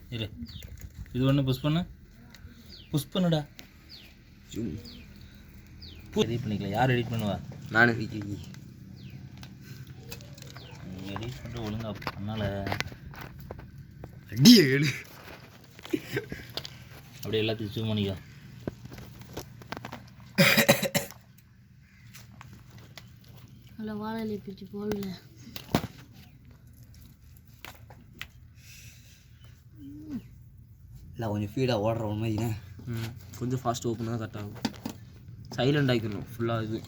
இரு, இது ஒன்று புஷ் பண்ணு, புஷ் பண்ணுடா. எடிட் பண்ணிக்கலாம். யார் எடிட் பண்ணுவா? நான் எடிட் பண்ணிட்டு ஒழுங்கா பண்ணால அடியே ஏழு அப்படியே எல்லாத்தையும் ஜூம் பண்ணிக்கோ. அதில் வாழை பிடிச்சி போடல. இல்லை கொஞ்சம் ஃபீடாக ஓடுற உண்மைக்குண்ணே. கொஞ்சம் ஃபாஸ்ட் ஓப்பன் தான் கரெக்ட் ஆகும். சைலண்ட் ஆகிக்கணும் ஃபுல்லாக. இது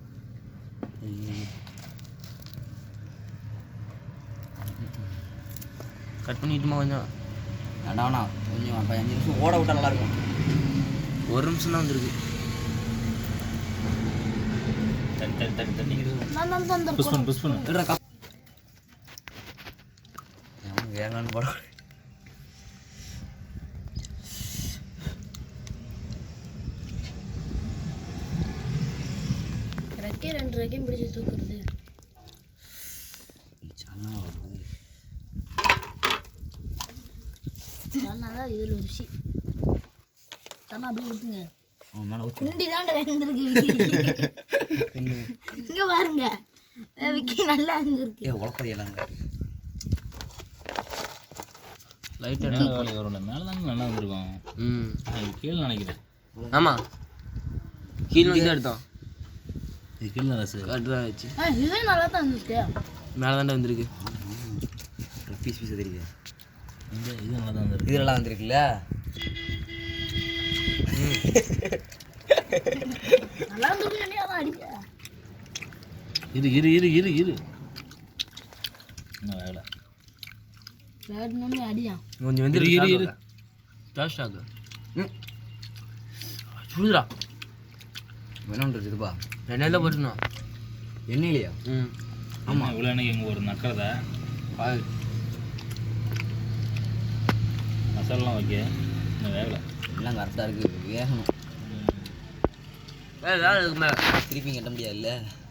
கட் பண்ணிட்டுமா கொஞ்சம் வேண்டாம்ண்ணா கொஞ்சம் அப்போ 5 நிமிஷம் ஓட விட்டா நல்லாயிருக்கும். 1 நிமிஷம் தான் வந்துருக்கு. தண்ணி தண்ணி தண்ணி தண்ணி நான் புஷ் பண்ணு, புஷ் பண்ணு. வேணான்னு போட ரெக்கே 2 ரெக்கையும் பிடிச்சி தூக்குறது. தான் இதில் ருசி. தண்ணா அப்படியே ஊற்றுங்க. குண்டி தாண்ட இருந்திருக்கு. இங்கே பாருங்க விக்கி நல்லா இருந்திருக்கு. உழப்பறியலாங்க லைட்டாக வேலை வரும். மேலே தானே நல்லா வந்துருக்கும். கீழே நினைக்கிறேன். ஆமாம் கீழே வந்து எடுத்தோம். இது கீழே ரசு கட்டுதான் வச்சு இதுவே நல்லா தான் இருந்துச்சு. மேலே தாண்டா வந்திருக்கு. பீஸ் பீஸ் தெரியுது. இது நல்லா தான் வந்துருக்கு. இது நல்லா வந்துருக்குல்ல. நல்லா இருந்துருக்கு. அதான் அடிக்க இரு இரு இரு இரு இரு இன்னும் வேலை வேணும்னு அடியா. கொஞ்சம் வந்து இரு இரு டாஸ்ட் ஆகு. சுடுதுடா. வேணுன்றது இதுப்பா எண்ணெயில் தான் போட்டுருந்தோம். எண்ணெயிலையா? ஆமாம். இவ்வளோ எனக்கு இங்கே ஒரு நக்கிறதா மசாலாலாம் வைக்க இன்னும் வேகலை. எல்லாம் கரெக்டாக இருக்குது. வேகணும். வேலை இருக்கு மேலே திருப்பி கட்ட முடியாது இல்லை.